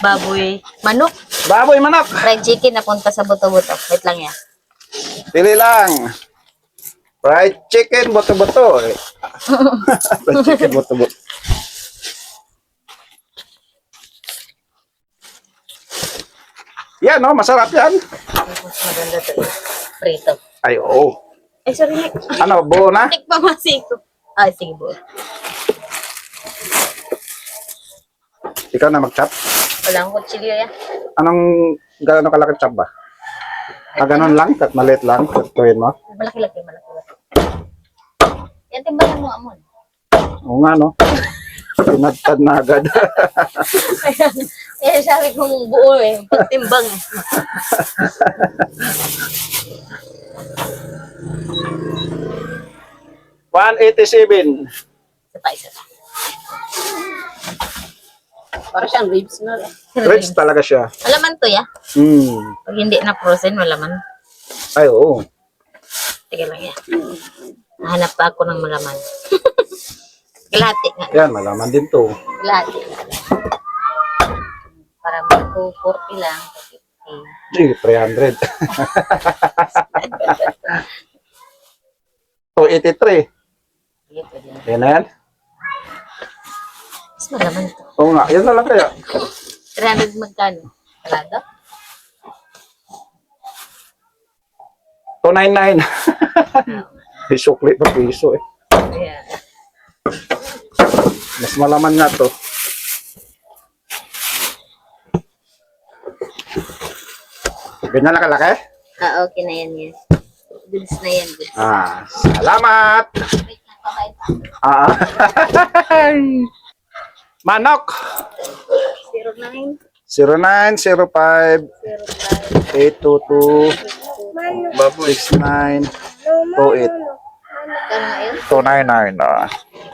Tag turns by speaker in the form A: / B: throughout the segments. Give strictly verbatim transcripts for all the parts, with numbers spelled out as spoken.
A: Baboy. Manok.
B: Baboy manok.
A: Fried chicken napunta sa buto-buto. Wait lang yan.
B: Pili lang. Fried chicken, buto-buto. Eh. Fried chicken, buto-buto. Yan, no? Masarap yan.
A: Mas maganda to. Prito.
B: Ay, oo.
A: Ay, sorry, Nick.
B: Ano, buo na?
A: Tik pa masiko. Ay, sige, buo.
B: Ikaw na mag-chop?
A: Walang kutsilyo yan.
B: Anong, gano'n kalaki chop ba? Ah, ganun lang? Kat maliit lang? Katuin mo?
A: Malaki-laki, malaki-laki. Yan, timbalan mo, Amon.
B: Oo nga, no? Pinagtad na agad.
A: Ayan, ayan, sabi kong buo eh. Pagtimbang eh.
B: one eighty-seven.
A: Isa pa, isa pa. Para siyang ribs na rin.
B: Rich talaga siya.
A: Malaman to, ya?
B: Hmm.
A: Pag hindi na frozen, malaman.
B: Ay, oo.
A: Sige lang yan. Nahanap pa ako ng malaman. Kalahati nga.
B: Yan, malaman din to.
A: Kalahati. Para mag-two forty lang. fifty.
B: Gee, three hundred. two eighty-three.
A: Sige, pwede na.
B: Yan na yan.
A: Mas malaman to.
B: Oo nga, yan na lang kaya.
A: three hundred magkano? Kalado?
B: two ninety-nine. May sukli pa piso eh.
A: Yeah.
B: Mas malaman nga to. Ganyan na kalaki?
A: Ah, okay na yan, yan. Goods na yan, goods.
B: Ah, salamat!
A: Wait lang, babay pa.
B: Ah. Manok!
A: zero nine,
B: zero nine zero five
A: zero five,
B: eight two two six nine two eight
A: kano nga yun?
B: two nine nine. Ah.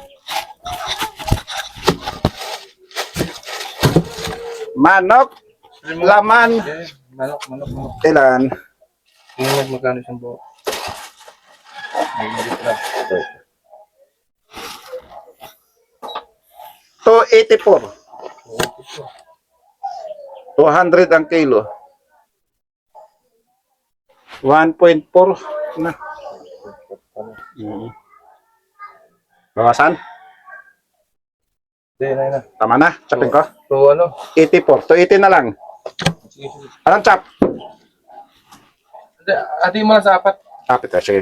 B: Manok, laman,
C: Manok, manok, manok.
B: ilan?
C: Tingnan mo magkano siyang buo. Ay, hindi pala.
B: two eighty-four. two hundred ang kilo. one point four na. Mm. Bawasan?
C: Hindi, na, na.
B: Tama na, chopin ko.
C: So, ano?
B: eighty-four. two eighty na lang.
C: Sige, sige.
B: Anong chop?
C: Hindi, ati mo lang sa apat.
B: Tapit ka, sige.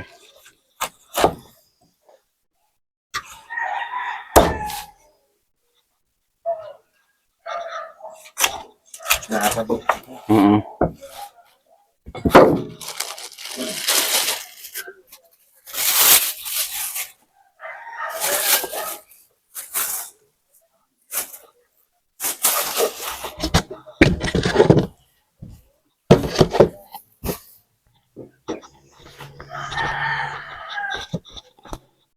C: Nakakabot.
B: Mm-mm.